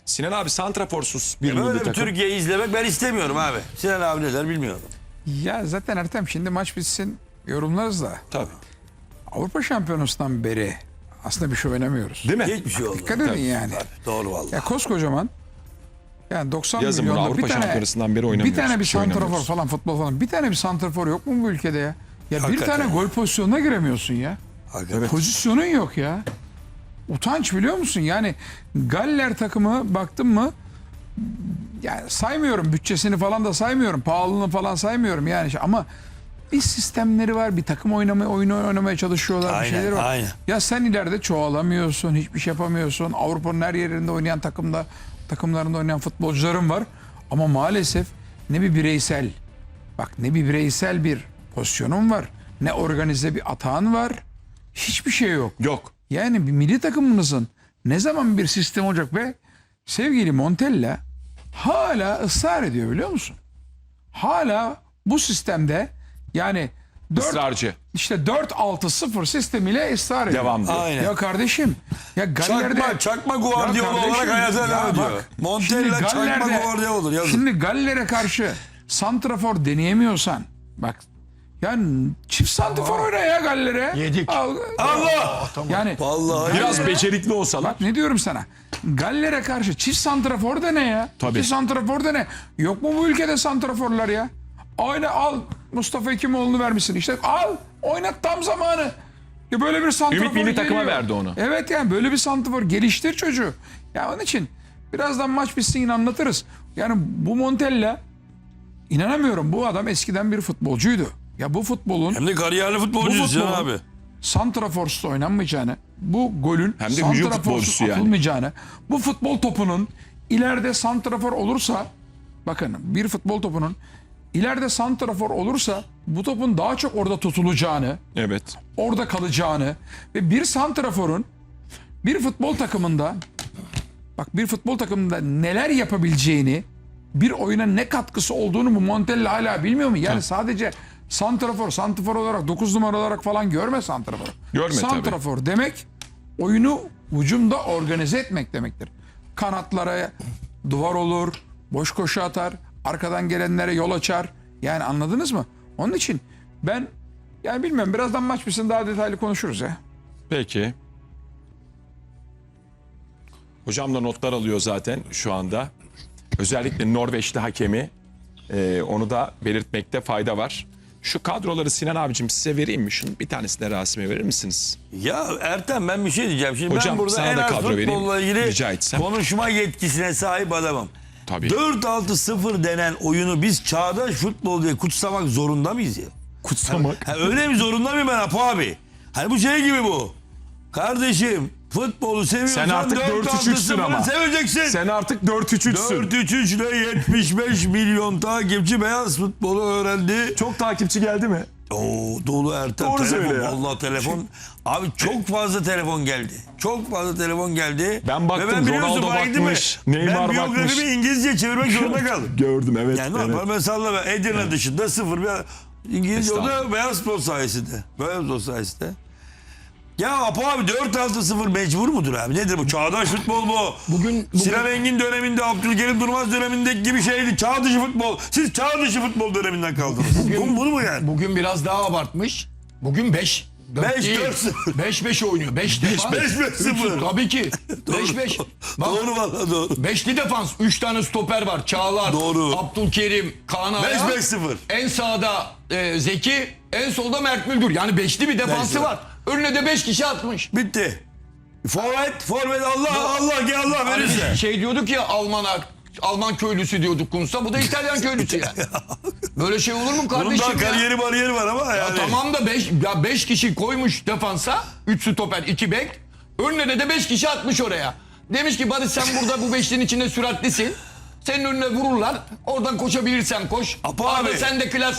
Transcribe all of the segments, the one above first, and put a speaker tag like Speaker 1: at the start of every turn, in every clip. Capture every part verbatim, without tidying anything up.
Speaker 1: Sinan abi santraforsuz bir
Speaker 2: Böyle
Speaker 1: milli
Speaker 2: bir
Speaker 1: takım.
Speaker 2: Türkiye'yi izlemek ben istemiyorum abi. Sinan abi ne der bilmiyorum.
Speaker 3: Ya zaten Ertem şimdi maç bitsin yorumlarız da.
Speaker 1: Tabii.
Speaker 3: Avrupa Şampiyonası'ndan beri aslında bir şey oynamıyoruz.
Speaker 1: Değil mi?
Speaker 2: Hiçbir şey oldu.
Speaker 3: Dikkat edin yani.
Speaker 2: Doğru vallahi.
Speaker 3: Ya koskocaman yani doksan
Speaker 1: Yazın bunu
Speaker 3: milyonda bir
Speaker 1: Avrupa
Speaker 3: tane
Speaker 1: Şampiyonası'ndan beri
Speaker 3: bir
Speaker 1: oynamıyoruz.
Speaker 3: tane bir
Speaker 1: Bir şey
Speaker 3: santrafor
Speaker 1: oynamıyoruz.
Speaker 3: falan futbol falan bir tane bir santrafor yok mu bu ülkede ya? Ya bir
Speaker 2: Hakikaten
Speaker 3: tane
Speaker 2: ya.
Speaker 3: gol pozisyonuna giremiyorsun ya.
Speaker 2: Hakikaten.
Speaker 3: Pozisyonun yok ya. Utanç biliyor musun? Yani Galler takımı baktın mı yani saymıyorum bütçesini falan da saymıyorum. Pahalılığını falan saymıyorum yani ama bir sistemleri var. Bir takım oynama, oyunu oynamaya çalışıyorlar.
Speaker 2: Aynen,
Speaker 3: bir şeyleri var.
Speaker 2: aynen.
Speaker 3: Ya sen ileride çoğalamıyorsun. Hiçbir şey yapamıyorsun. Avrupa'nın her yerinde oynayan takımda takımlarında oynayan futbolcuların var. Ama maalesef ne bir bireysel bak ne bir bireysel bir pozisyonun var. Ne organize bir atağın var. Hiçbir şey yok.
Speaker 1: Yok.
Speaker 3: Yani bir milli takımınızın ne zaman bir sistem olacak ve sevgili Montella hala ısrar ediyor biliyor musun? Hala bu sistemde yani dört,
Speaker 1: Israrcı.
Speaker 3: işte dört altı sıfır sistemiyle ısrar ediyor.
Speaker 1: Devam diyor.
Speaker 2: Aynen.
Speaker 3: Ya kardeşim ya Galler'de
Speaker 2: Çakma, çakma Guardiola
Speaker 3: Ya kardeşim,
Speaker 2: olarak hayata
Speaker 3: ya
Speaker 2: devam ediyor.
Speaker 3: bak,
Speaker 2: Montella
Speaker 3: şimdi
Speaker 2: çakma
Speaker 3: Galler'de-
Speaker 2: Guardiola olur yazın.
Speaker 3: Şimdi Galler'e karşı santrafor deneyemiyorsan bak yani çift santrafor oyna ya Galler'e.
Speaker 4: Yedik.
Speaker 3: Al-
Speaker 2: Allah!
Speaker 3: Yani
Speaker 2: Vallahi
Speaker 1: Biraz
Speaker 3: Galler'e-
Speaker 1: becerikli olsalar.
Speaker 3: Bak ne diyorum sana. Galler'e karşı çift santrafor da ne ya?
Speaker 1: Tabii.
Speaker 3: Çift santrafor da ne? Yok mu bu ülkede santraforlar ya? Aynı al Mustafa Hekimoğlu'nu vermişsin. İşte al oynat tam zamanı. Ya böyle bir santrafor
Speaker 1: Ümit milli takıma
Speaker 3: geliyor.
Speaker 1: verdi onu.
Speaker 3: Evet yani böyle bir santrafor geliştir çocuğu. Ya onun için birazdan maç bitsin yine anlatırız. Yani bu Montella inanamıyorum bu adam eskiden bir futbolcuydu. Ya bu futbolun
Speaker 2: Hem de kariyerli futbolcu
Speaker 3: Bu
Speaker 2: Sinan
Speaker 3: futbolun-
Speaker 2: abi.
Speaker 3: santraforsuz oynanmayacağını, bu golün
Speaker 1: Hem de hücum
Speaker 3: santraforsuz
Speaker 1: futbolcusu yani.
Speaker 3: atılmayacağını, bu futbol topunun ileride santrafor olursa, bakın bir futbol topunun ileride santrafor olursa bu topun daha çok orada tutulacağını,
Speaker 1: Evet.
Speaker 3: orada kalacağını ve bir santraforun bir futbol takımında bak bir futbol takımında neler yapabileceğini, bir oyuna ne katkısı olduğunu bu Montella hala bilmiyor mu? Yani sadece santrafor, santrafor olarak dokuz numara olarak falan görme santrafor.
Speaker 1: Görme tabii.
Speaker 3: Santrafor demek oyunu hücumda organize etmek demektir. Kanatlara duvar olur, boş koşu atar, arkadan gelenlere yol açar. Yani anladınız mı? Onun için ben yani bilmiyorum birazdan maç bitsin daha detaylı konuşuruz ya.
Speaker 1: Peki. Hocam da notlar alıyor zaten şu anda. Özellikle Norveçli hakemi e, onu da belirtmekte fayda var. Şu kadroları Sinan abicim size vereyim mi? Şunu bir tanesini de Rasim'e verir misiniz?
Speaker 2: Ya Ertem ben bir şey diyeceğim. Şimdi
Speaker 1: Hocam,
Speaker 2: ben burada
Speaker 1: sana
Speaker 2: en
Speaker 1: da
Speaker 2: az
Speaker 1: kadro vereyim,
Speaker 2: futbolla ilgili
Speaker 1: rica etsem.
Speaker 2: konuşma yetkisine sahip adamım.
Speaker 1: Tabii.
Speaker 2: dört altı sıfır denen oyunu biz çağdaş futbol diye kutsamak zorunda mıyız ya?
Speaker 1: Kutsamak.
Speaker 2: Ha, öyle mi zorunda mıyım ben Apo abi? Hani bu şey gibi bu. Kardeşim futbolu seviyorsan
Speaker 1: Sen artık dört üç üçsün ama.
Speaker 2: seveceksin.
Speaker 1: Sen artık dört üç üçsün.
Speaker 2: dört üç üç ile yetmiş beş milyon takipçi beyaz futbolu öğrendi.
Speaker 1: Çok takipçi geldi mi?
Speaker 2: Oo dolu Ertem
Speaker 1: Doğru
Speaker 2: telefon.
Speaker 1: söyle ya.
Speaker 2: Vallahi telefon. Abi çok fazla telefon geldi. Çok fazla telefon geldi.
Speaker 1: Ben baktım,
Speaker 2: Ve ben biliyorsun
Speaker 1: Ronaldo
Speaker 2: fark ettin mi?
Speaker 1: bakmış, Neymar
Speaker 2: Ben biyografimi
Speaker 1: bakmış.
Speaker 2: İngilizce çevirmek zorunda kaldım.
Speaker 1: Gördüm evet.
Speaker 2: Yani normal mesela ben Edirne dışında sıfır bir İngilizce o da
Speaker 1: Estağfurullah.
Speaker 2: beyaz futbol sayesinde. Beyaz futbol sayesinde. Ya Apo abi dört altı sıfır mecbur mudur abi? Nedir bu? Çağdaş futbol bu.
Speaker 4: Bugün, bugün
Speaker 2: Sinan Engin döneminde, Abdülkerim Durmaz dönemindeki gibi şeydi. Çağ dışı futbol. Siz çağ dışı futbol döneminden kaldınız. bu, bunu mu yani?
Speaker 4: bugün biraz daha abartmış. Bugün beş.
Speaker 2: Beş, dört, sıfır.
Speaker 4: beş beş oynuyor. beş defans.
Speaker 2: beş, beş, sıfır.
Speaker 4: Tabii ki. beş beş.
Speaker 2: Doğru valla doğru.
Speaker 4: Beşli defans. üç tane stoper var. Çağlar,
Speaker 2: Doğru.
Speaker 4: Abdülkerim, Kaan Ayhan.
Speaker 2: beş beş sıfır.
Speaker 4: En sağda e, Zeki, en solda Mert Müldür. Yani beşli bir defansı
Speaker 2: Beş,
Speaker 4: var. Önüne de beş kişi atmış.
Speaker 2: Bitti. Forvet, forvet Allah Allah gel Allah
Speaker 4: Hani
Speaker 2: verirse.
Speaker 4: biz şey diyorduk ya Alman'a, Alman köylüsü diyorduk Kunsa. Bu da İtalyan köylüsü yani. Böyle şey olur mu
Speaker 2: Bunun
Speaker 4: kardeşim
Speaker 2: daha
Speaker 4: ya?
Speaker 2: kariyeri bariyeri var ama
Speaker 4: Ya
Speaker 2: yani.
Speaker 4: tamam da beş ya beş kişi koymuş defansa. üç stoper, iki bek. Önüne de beş kişi atmış oraya. Demiş ki Barış sen burada bu beşlinin içinde süratlisin. Senin önüne vururlar. Oradan koşabilirsen koş.
Speaker 2: Apo
Speaker 4: Arada
Speaker 2: abi.
Speaker 4: sen de klassın.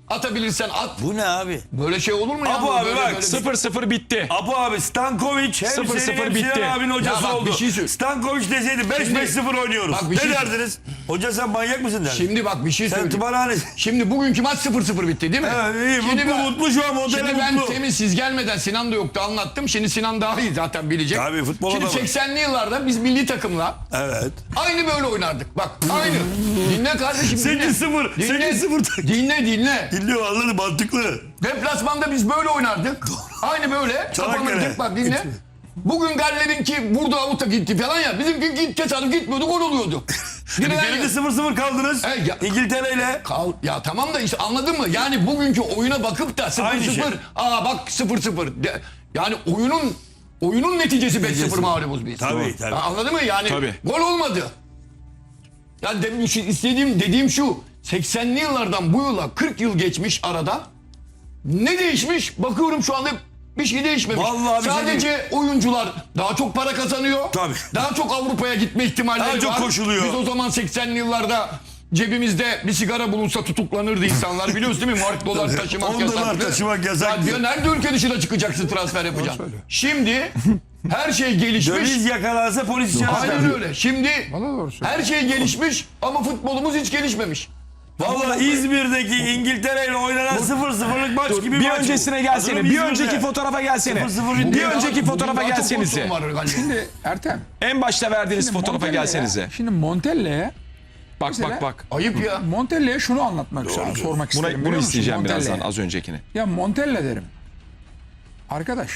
Speaker 4: Atabilirsen at.
Speaker 2: Bu ne abi?
Speaker 4: Böyle şey olur mu ya?
Speaker 2: Apo abi
Speaker 4: Böyle-
Speaker 2: bak,
Speaker 4: böyle-
Speaker 1: sıfır sıfır bitti.
Speaker 2: Apo abi Stankovic hem
Speaker 1: Sıfır
Speaker 2: senin
Speaker 1: sıfır
Speaker 2: hem
Speaker 1: bitti.
Speaker 2: Sinan abinin hocası
Speaker 4: Ya bak,
Speaker 2: oldu.
Speaker 4: bir şey söyle-
Speaker 2: Stankovic deseydi beş beş sıfır oynuyoruz.
Speaker 4: Bak, bir
Speaker 2: ne
Speaker 4: şey-
Speaker 2: derdiniz? Hoca sen manyak mısın derdin?
Speaker 4: Şimdi bak bir şey
Speaker 2: Sen
Speaker 4: söyleyeyim.
Speaker 2: tımarhane...
Speaker 4: Şimdi bugünkü maç sıfır sıfır bitti değil mi?
Speaker 2: Evet, iyi,
Speaker 4: Şimdi
Speaker 2: mutlu,
Speaker 4: ben-
Speaker 2: mutlu şu an, Montella
Speaker 4: Şimdi ben
Speaker 2: mutlu.
Speaker 4: temin siz gelmeden Sinan da yoktu anlattım. Şimdi Sinan daha iyi zaten bilecek.
Speaker 2: Tabii, futbol
Speaker 4: Şimdi
Speaker 2: adamı.
Speaker 4: seksenli yıllarda biz milli takımla
Speaker 2: Evet.
Speaker 4: aynı böyle oynardık. Bak aynı. Dinle kardeşim dinle.
Speaker 2: sekiz sıfır.
Speaker 4: Dinle.
Speaker 2: sekiz sıfır.
Speaker 4: Dinle dinle.
Speaker 2: Dinliyor anladım, mantıklı.
Speaker 4: Deplasmanda biz böyle oynardık. Aynı böyle.
Speaker 2: Çanakkale.
Speaker 4: Kapanırdık bak dinle. Bugün Galler'inki burada avuta gitti falan ya. Bizimki git tesadüf gitmiyordu gol oluyordu. Dinle
Speaker 2: Geride
Speaker 4: ya.
Speaker 2: sıfır sıfır kaldınız.
Speaker 4: He, ya-
Speaker 2: İngiltere'yle.
Speaker 4: Kal, ya tamam da işte anladın mı? Yani bugünkü oyuna bakıp da sıfır
Speaker 2: Aynı şey.
Speaker 4: sıfır. Aa bak sıfır sıfır. De- Yani oyunun oyunun neticesi beş sıfır mağlubuz biz.
Speaker 2: Tabii, tabii.
Speaker 4: Ya anladın mı? Yani
Speaker 1: Tabii.
Speaker 4: gol olmadı. Yani de, şu- istediğim dediğim şu. seksenli yıllardan bu yıla kırk yıl geçmiş arada. Ne değişmiş? Bakıyorum şu anda bir şey değişmemiş.
Speaker 2: Vallahi bir şey
Speaker 4: Sadece oyuncular daha çok para kazanıyor.
Speaker 2: Tabii.
Speaker 4: Daha çok Avrupa'ya gitme ihtimalleri
Speaker 2: Daha çok
Speaker 4: var.
Speaker 2: koşuluyor.
Speaker 4: Biz o zaman seksenli yıllarda cebimizde bir sigara bulunsa tutuklanırdı insanlar. Biliyorsun değil mi? Mark dolar taşımak
Speaker 2: on
Speaker 4: yasaktı.
Speaker 2: dolar taşımak yasaktı.
Speaker 4: Ya diyor, nerede ülke dışına çıkacaksın transfer yapacaksın? Şimdi her şey gelişmiş.
Speaker 2: Döviz yakalansa polis içeri
Speaker 4: Aynen
Speaker 2: çıkar.
Speaker 4: öyle. Şimdi
Speaker 3: Valla doğru söylüyor.
Speaker 4: her şey gelişmiş ama futbolumuz hiç gelişmemiş.
Speaker 2: Valla İzmir'deki İngiltere ile oynanan sıfır sıfırlık maç gibi
Speaker 1: Bir
Speaker 2: maç bu.
Speaker 1: öncesine gelsene.
Speaker 2: Hatırlıyor
Speaker 1: Bir
Speaker 2: musun
Speaker 1: önceki
Speaker 2: İzmir'de?
Speaker 1: fotoğrafa gelsene.
Speaker 2: sıfır sıfır
Speaker 1: Bir
Speaker 2: bitti.
Speaker 1: önceki
Speaker 4: Bugün
Speaker 1: fotoğrafa
Speaker 4: daha çok
Speaker 1: gelsenize.
Speaker 4: pozisyon var galiba.
Speaker 3: Şimdi Ertem.
Speaker 1: En başta verdiğiniz
Speaker 3: şimdi
Speaker 1: fotoğrafa
Speaker 3: Montella'ya-
Speaker 1: gelsenize.
Speaker 3: Şimdi Montella'ya
Speaker 1: Bak
Speaker 3: mesela-
Speaker 1: bak bak.
Speaker 4: Ayıp ya.
Speaker 3: Montella'ya şunu anlatmak istiyorum, sormak isterim.
Speaker 1: Buna,
Speaker 3: biliyor
Speaker 1: bunu
Speaker 3: musun
Speaker 1: isteyeceğim
Speaker 3: Montella'ya?
Speaker 1: birazdan az öncekini.
Speaker 3: Ya Montella derim. Arkadaş.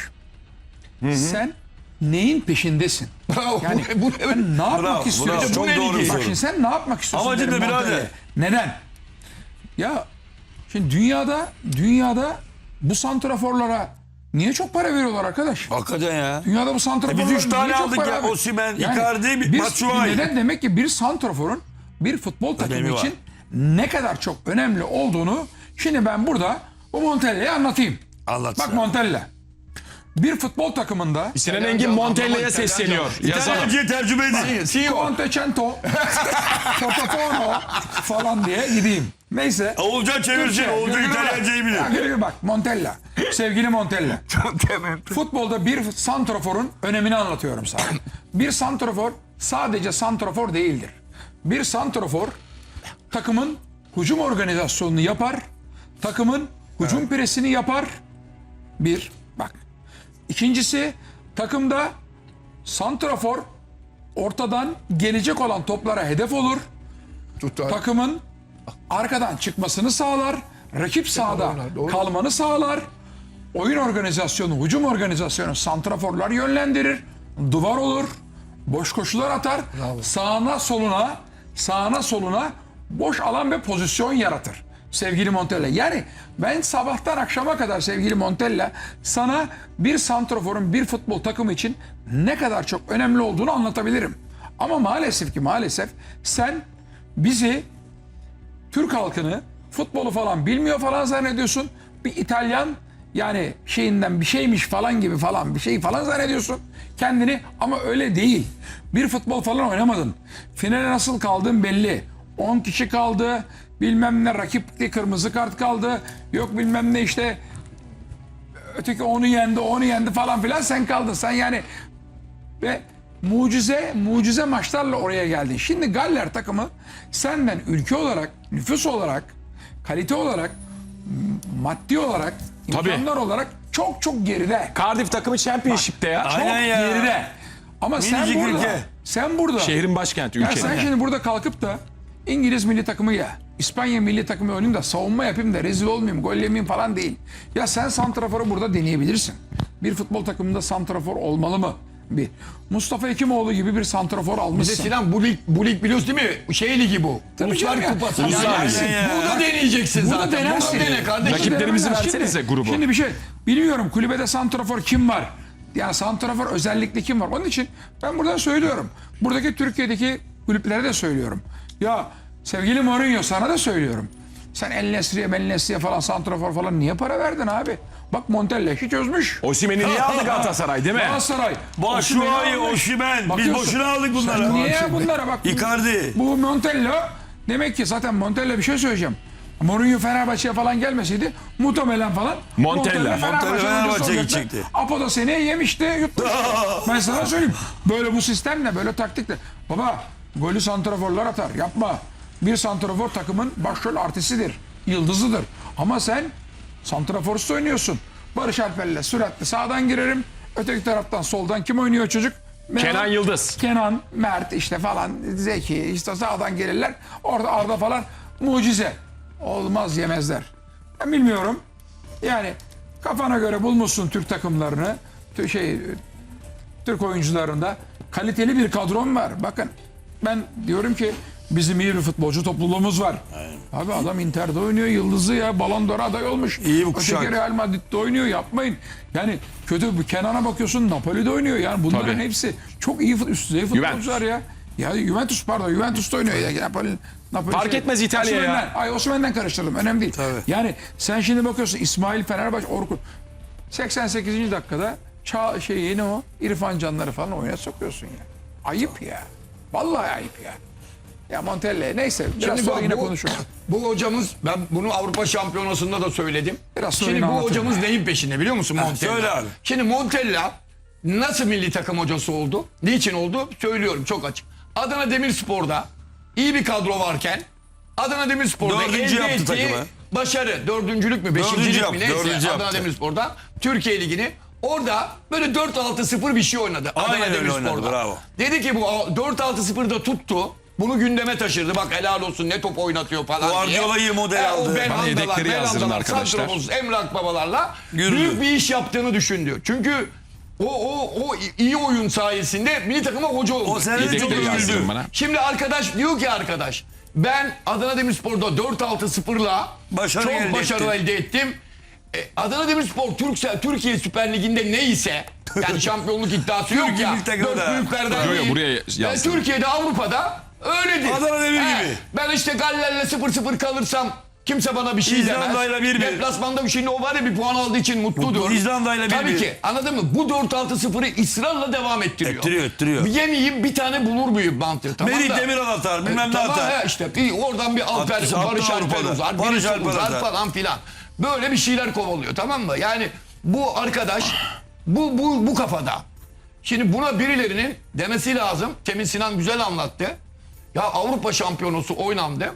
Speaker 3: Sen neyin peşindesin?
Speaker 4: Bravo.
Speaker 3: Yani
Speaker 4: bu, bu, evet.
Speaker 3: sen ne yapmak
Speaker 2: Bravo,
Speaker 3: istiyorsun?
Speaker 2: bravo. Çok
Speaker 4: Bu ne
Speaker 2: doğru bir
Speaker 4: ligi?
Speaker 3: Bak
Speaker 2: soru.
Speaker 3: şimdi sen ne yapmak istiyorsun?
Speaker 2: Amacın
Speaker 3: derim
Speaker 2: ne birader?
Speaker 3: Montella'ya. Neden? Ya şimdi dünyada dünyada bu santraforlara niye çok para veriyorlar arkadaş?
Speaker 2: Hakikaten ya.
Speaker 3: Dünyada bu santraforlara
Speaker 2: E biz üç tane
Speaker 3: niye çok
Speaker 2: aldık
Speaker 3: para
Speaker 2: ya.
Speaker 3: ver-
Speaker 2: Osimhen, Icardi,
Speaker 3: bir-
Speaker 2: Batshuayi.
Speaker 3: Neden? Demek ki bir santraforun bir futbol takımı
Speaker 2: Önemi var.
Speaker 3: için ne kadar çok önemli olduğunu şimdi ben burada bu Montella'ya anlatayım.
Speaker 2: Anlatsın.
Speaker 3: Bak Montella. Bir futbol takımında
Speaker 1: Sinan Engin Montella'ya sesleniyor. Yazalım.
Speaker 2: İtalyanca'ya tercüme edin.
Speaker 4: C E O.
Speaker 3: Contecento, Totofono falan diye gideyim. Neyse.
Speaker 2: Oğulcan çevirsin.
Speaker 3: Türkçe,
Speaker 2: Oğulcan
Speaker 3: gülüyor bak.
Speaker 2: İtalyancayı
Speaker 3: Ya
Speaker 2: bilir.
Speaker 3: gülüyor bak Montella. Sevgili Montella. Futbolda bir santraforun önemini anlatıyorum sana. Bir santrafor sadece santrafor değildir. Bir santrafor takımın hücum organizasyonunu yapar. Takımın hücum presini yapar. Bir, bak. İkincisi takımda santrafor ortadan gelecek olan toplara hedef olur.
Speaker 4: Tutar.
Speaker 3: Takımın arkadan çıkmasını sağlar. Rakip sahada kalmanı sağlar. Oyun organizasyonu, hücum organizasyonu santraforlar yönlendirir. Duvar olur. Boş koşular atar. Sağına soluna, sağına soluna boş alan ve pozisyon yaratır. Sevgili Montella. Yani ben sabahtan akşama kadar sevgili Montella sana bir santraforun bir futbol takımı için ne kadar çok önemli olduğunu anlatabilirim. Ama maalesef ki maalesef sen bizi Türk halkını futbolu falan bilmiyor falan zannediyorsun. Bir İtalyan yani şeyinden bir şeymiş falan gibi falan bir şey falan zannediyorsun kendini ama öyle değil. Bir futbol falan oynamadın. Finale nasıl kaldın belli. on kişi kaldı. Bilmem ne rakipli kırmızı kart kaldı. Yok bilmem ne işte öteki onu yendi, onu yendi falan filan sen kaldın. Sen yani ve mucize mucize maçlarla oraya geldin. Şimdi Galler takımı senden ülke olarak, nüfus olarak, kalite olarak, m- maddi olarak,
Speaker 1: Tabii.
Speaker 3: imkanlar olarak çok çok geride.
Speaker 1: Cardiff takımı Championship'te ya.
Speaker 3: Çok
Speaker 2: Aynen ya.
Speaker 3: geride. Ama sen
Speaker 2: Minicik
Speaker 3: burada,
Speaker 2: ülke.
Speaker 3: sen burada.
Speaker 1: Şehrin başkenti,
Speaker 3: Ya
Speaker 1: ülkenin.
Speaker 3: sen şimdi burada kalkıp da İngiliz milli takımıyla İspanya milli takımı oynayayım da savunma yapayım da rezil olmayayım, gol yemeyeyim falan değil. Ya sen santraforu burada deneyebilirsin. Bir futbol takımında santrafor olmalı mı? Bir. Mustafa Hekimoğlu gibi bir santrafor
Speaker 4: Bir de
Speaker 3: almışsın.
Speaker 4: Sinan bu lig, bu lig biliyorsun değil mi? Şey ligi bu.
Speaker 3: Tabii
Speaker 4: Uluslar
Speaker 3: canım ya.
Speaker 4: kupası.
Speaker 3: Uluslar
Speaker 4: Yani
Speaker 2: ligi.
Speaker 4: Burada deneyeceksin
Speaker 3: Burada
Speaker 4: zaten.
Speaker 3: denersin.
Speaker 4: Burada dene kardeşim.
Speaker 1: Rakiplerimizi
Speaker 3: Şimdi-
Speaker 1: versenize grubu.
Speaker 3: Şimdi bir şey bilmiyorum kulübede santrafor kim var? Yani santrafor özellikle kim var? Onun için ben buradan söylüyorum. Buradaki Türkiye'deki kulüplere de söylüyorum. Ya sevgili Mourinho sana da söylüyorum. Sen El Nesri'ye, El Nesri'ye falan santrafor falan niye para verdin abi? Bak Montella işi çözmüş.
Speaker 1: Osimhen'i niye aldı Galatasaray değil mi?
Speaker 3: Galatasaray.
Speaker 2: Batshuayi,
Speaker 3: Osimhen'i almış.
Speaker 2: Osimhen. Biz
Speaker 3: Bakıyorsun.
Speaker 2: boşuna aldık bunları.
Speaker 3: Sen niye bunlara bak?
Speaker 2: Icardi.
Speaker 3: Bu Montella demek ki zaten Montella bir şey söyleyeceğim. Mourinho Fenerbahçe'ye falan gelmeseydi muhtemelen falan
Speaker 1: Montella.
Speaker 3: Fenerbahçe
Speaker 2: Montella
Speaker 3: hocası
Speaker 2: Fenerbahçe'ye
Speaker 3: olacaktı.
Speaker 2: gidecekti.
Speaker 3: Apo da seneye yemişti, yutmuş. Ben sana söyleyeyim. Böyle bu sistemle, böyle taktikle. Baba golü santraforlar atar. Yapma. Bir santrafor takımın başrol artistidir. Yıldızıdır. Ama sen santraforsuz oynuyorsun. Barış Alper'le süratli sağdan girerim. Öteki taraftan soldan kim oynuyor çocuk?
Speaker 1: Kenan Yıldız.
Speaker 3: Kenan, Mert işte falan, Zeki işte sağdan gelirler. Orada Arda falan mucize. Olmaz, yemezler. Ben bilmiyorum. Yani kafana göre bulmuşsun Türk takımlarını. Tü- Şey Türk oyuncularında kaliteli bir kadron var. Bakın ben diyorum ki bizim iyi bir futbolcu topluluğumuz var. Abi adam Inter'de oynuyor, yıldızı ya, Ballon d'Or aday olmuş.
Speaker 2: İyi bir kuşak.
Speaker 3: Öteki Real Madrid'de oynuyor, yapmayın. Yani kötü, Kenan'a bakıyorsun Napoli'de oynuyor. Yani bunların
Speaker 1: Tabii.
Speaker 3: hepsi çok iyi fut- üst düzey futbolcular ya. Ya Juventus pardon Juventus'ta oynuyor ya. Napoli, Napoli
Speaker 1: Fark etmez İtalya ya.
Speaker 3: Osimhen'den- Ay Osimhen'den karıştırdım. Önemli değil.
Speaker 2: Tabii.
Speaker 3: Yani sen şimdi bakıyorsun İsmail Fenerbahçe Orkun seksen sekizinci dakikada ça şey yeni o İrfan Canları falan oyuna sokuyorsun ya. Ayıp ya. Vallahi ayıp ya. Ya Montella neyse biraz
Speaker 4: Şimdi
Speaker 3: sonra
Speaker 4: bak,
Speaker 3: yine
Speaker 4: bu,
Speaker 3: konuşuruz.
Speaker 4: bu hocamız, ben bunu Avrupa Şampiyonası'nda da söyledim.
Speaker 3: Biraz sonra
Speaker 4: Şimdi
Speaker 3: yine
Speaker 4: bu
Speaker 3: anlatırım
Speaker 4: hocamız
Speaker 3: ya.
Speaker 4: neyin peşinde biliyor musun Montella?
Speaker 2: söyle abi.
Speaker 4: Şimdi Montella nasıl milli takım hocası oldu? Niçin oldu? Söylüyorum çok açık. Adana Demirspor'da iyi bir kadro varken Adana Demirspor'da
Speaker 2: Dördüncü
Speaker 4: elde
Speaker 2: yaptı
Speaker 4: ettiği
Speaker 2: takımı.
Speaker 4: başarı, dördüncülük mü,
Speaker 2: Dördüncü
Speaker 4: beşincilik
Speaker 2: yaptı,
Speaker 4: mi neyse
Speaker 2: dördüncü
Speaker 4: Adana
Speaker 2: yaptı.
Speaker 4: Demirspor'da Türkiye Ligi'ni orada böyle dört altı sıfır bir şey oynadı.
Speaker 2: Aynen
Speaker 4: Adana
Speaker 2: öyle oynadı,
Speaker 4: Demirspor'da.
Speaker 2: bravo.
Speaker 4: Dedi ki bu dört altı sıfırda tuttu. Bunu gündeme taşırdı. Bak helal olsun ne top oynatıyor falan
Speaker 2: Guardiola'yı
Speaker 4: diye.
Speaker 2: model
Speaker 4: E,
Speaker 2: aldı.
Speaker 4: O Belhanda'lar,
Speaker 1: Bana yedekleri yazdırın
Speaker 4: Belhanda'lar,
Speaker 1: arkadaşlar.
Speaker 4: Santrofos, Emrah babalarla
Speaker 2: Yürüdü.
Speaker 4: büyük bir iş yaptığını düşündü. Çünkü o o o iyi oyun sayesinde milli takıma hoca oldu.
Speaker 2: O sene de çok
Speaker 1: Yedekleri
Speaker 2: övüldü.
Speaker 1: yazdırın bana.
Speaker 4: Şimdi arkadaş diyor ki arkadaş ben Adana Demirspor'da dört altı sıfırla
Speaker 2: Başarı
Speaker 4: çok
Speaker 2: elde
Speaker 4: başarı
Speaker 2: ettim.
Speaker 4: elde ettim. E, Adana Demirspor Türksel Türkiye Süper Ligi'nde neyse yani şampiyonluk iddiası yok
Speaker 2: Türkiye
Speaker 4: ya.
Speaker 2: milli takımı
Speaker 4: Dört
Speaker 2: da.
Speaker 4: büyüklerden
Speaker 1: Yo, yo,
Speaker 4: değil.
Speaker 1: buraya
Speaker 4: E,
Speaker 1: yazdırın.
Speaker 4: Türkiye'de Avrupa'da öyledir.
Speaker 2: Adana Demir
Speaker 4: He,
Speaker 2: gibi.
Speaker 4: Ben işte Galler'le sıfır sıfır kalırsam kimse bana bir şey demez.
Speaker 2: İzlanda'yla bir bir.
Speaker 4: Deplasmanda şimdi o var ya bir puan aldığı için mutludur.
Speaker 2: İzlanda'yla bir
Speaker 4: Tabii
Speaker 2: bir.
Speaker 4: ki anladın mı? Bu dört altı sıfırı ısrarla devam ettiriyor.
Speaker 2: Ettiriyor, ettiriyor.
Speaker 4: Bir yemeyeyim bir tane bulur muyum mantığı. Tamam
Speaker 2: Merih
Speaker 4: da-
Speaker 2: Demiral atar, bilmem ne
Speaker 4: tamam
Speaker 2: atar.
Speaker 4: he, işte bir oradan bir Alper,
Speaker 2: Attı, attı
Speaker 4: Barış Alper
Speaker 2: Avrupa'da.
Speaker 4: uzar,
Speaker 2: Barış
Speaker 4: birisi
Speaker 2: Alper
Speaker 4: uzar
Speaker 2: atar.
Speaker 4: falan filan. Böyle bir şeyler kovalıyor tamam mı? Yani bu arkadaş bu bu bu kafada. Şimdi buna birilerinin demesi lazım. Temin Sinan güzel anlattı. Ya Avrupa Şampiyonası oynandı.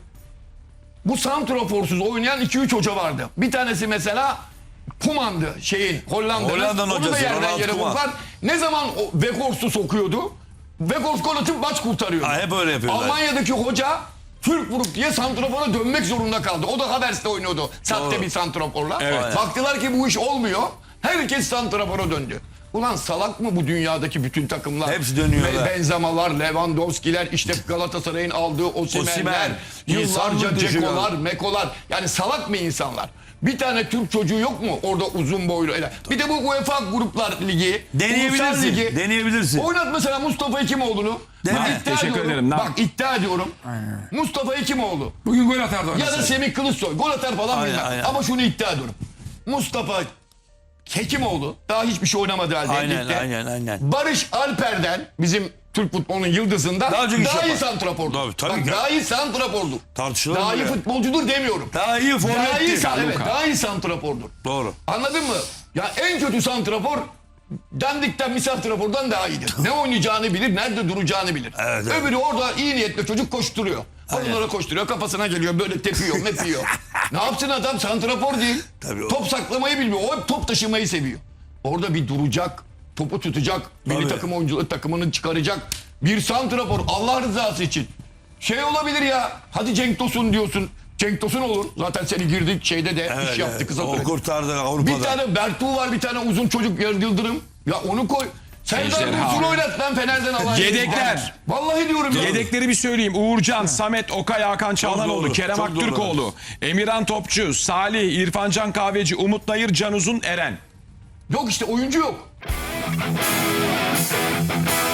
Speaker 4: Bu santraforsuz oynayan iki üç hoca vardı. Bir tanesi mesela Koeman'dı şeyin Hollanda'nın.
Speaker 2: Hollanda'nın
Speaker 4: Onu da
Speaker 2: hocası,
Speaker 4: yerden
Speaker 2: Ronald
Speaker 4: yere
Speaker 2: Koeman.
Speaker 4: vurdular. Ne zaman o Weghorst'u sokuyordu? Weghorst gol atıp maç kurtarıyordu.
Speaker 2: Ha, hep öyle yapıyorlar.
Speaker 4: Almanya'daki hoca Türk vurup diye santrafora dönmek zorunda kaldı. O da Havers'te oynuyordu. Sahte
Speaker 2: Doğru.
Speaker 4: bir santraforla.
Speaker 1: Evet.
Speaker 4: Baktılar ki bu iş olmuyor. Herkes santrafora döndü. Ulan salak mı bu dünyadaki bütün takımlar?
Speaker 2: Hepsi dönüyorlar.
Speaker 4: Be- Benzemalar, Lewandowski'ler, işte Galatasaray'ın aldığı Osimhen'ler,
Speaker 2: Osimhen.
Speaker 4: yıllarca
Speaker 2: İnsanlık dışı
Speaker 4: Ceko'lar, Meko'lar. Yani salak mı insanlar? Bir tane Türk çocuğu yok mu orada uzun boylu? Bir de bu UEFA Gruplar Ligi, Ulusal
Speaker 2: Deneyebilirsin.
Speaker 4: Ligi.
Speaker 2: Deneyebilirsin.
Speaker 4: Oynat mesela Mustafa Hekimoğlu'nu.
Speaker 2: Dene.
Speaker 4: Bak, iddia
Speaker 1: Teşekkür
Speaker 4: ediyorum.
Speaker 1: ederim. Ne
Speaker 4: Bak
Speaker 1: yap-
Speaker 4: iddia ediyorum. Mustafa Hekimoğlu
Speaker 3: Bugün gol atardı
Speaker 4: ya da
Speaker 3: oynasa.
Speaker 4: Semih Kılıçsoy gol atar falan
Speaker 2: Aynen,
Speaker 4: bilmem.
Speaker 2: aynen.
Speaker 4: Ama şunu iddia ediyorum. Mustafa Hekimoğlu daha hiçbir şey oynamadı halde
Speaker 2: Aynen,
Speaker 4: ligde.
Speaker 2: aynen, aynen.
Speaker 4: Barış Alper'den bizim Türk futbolunun yıldızından
Speaker 2: Daha
Speaker 4: daha,
Speaker 2: çok iş
Speaker 4: iyi
Speaker 2: yapar.
Speaker 4: santrafordur.
Speaker 2: Tabii, tabii
Speaker 4: Bak,
Speaker 2: ki.
Speaker 4: daha iyi santrafordur.
Speaker 2: Tartışılır
Speaker 4: Daha
Speaker 2: mı
Speaker 4: iyi
Speaker 2: ya?
Speaker 4: futbolcudur demiyorum.
Speaker 2: Daha iyi
Speaker 4: Daha iyi,
Speaker 2: forvetti.
Speaker 4: san- evet, daha iyi santrafordur.
Speaker 2: Doğru.
Speaker 4: Anladın mı? Ya en kötü santrafor dandikten bir santrafordan daha iyidir. Ne oynayacağını bilir, nerede duracağını bilir.
Speaker 2: Evet, evet.
Speaker 4: Öbürü orada iyi niyetle çocuk koşturuyor. Onlara koşturuyor, kafasına geliyor, böyle tepiyor, mepiyor. Ne yapsın adam? Santrafor değil.
Speaker 2: Tabii o-
Speaker 4: Top saklamayı bilmiyor. O hep top taşımayı seviyor. Orada bir duracak, topu tutacak, milli
Speaker 2: Tabii.
Speaker 4: takım oyuncuları takımını çıkaracak. Bir santrafor Allah rızası için. Şey olabilir ya, hadi Cenk Tosun diyorsun. Cenk Tosun olur. Zaten seni girdik şeyde de
Speaker 2: Evet,
Speaker 4: iş yaptı
Speaker 2: evet.
Speaker 4: kısa
Speaker 2: O
Speaker 4: sürede.
Speaker 2: kurtardı Avrupa'da.
Speaker 4: Bir tane Bertu var, bir tane uzun çocuk Yıldırım. Ya onu koy. Serdar
Speaker 1: Ejderha.
Speaker 4: Dursun oynat lan Fener'den alan.
Speaker 1: Yedekler.
Speaker 4: Vallahi diyorum ya.
Speaker 1: Yedekleri bir söyleyeyim. Uğurcan, Samet, Okay, Hakan Çağlanoğlu,
Speaker 2: doğru,
Speaker 1: Kerem
Speaker 2: çok
Speaker 1: Aktürkoğlu, Emirhan Topçu, Salih, İrfancan Kahveci, Umut Nayır, Can Uzun, Eren.
Speaker 4: Yok işte oyuncu yok.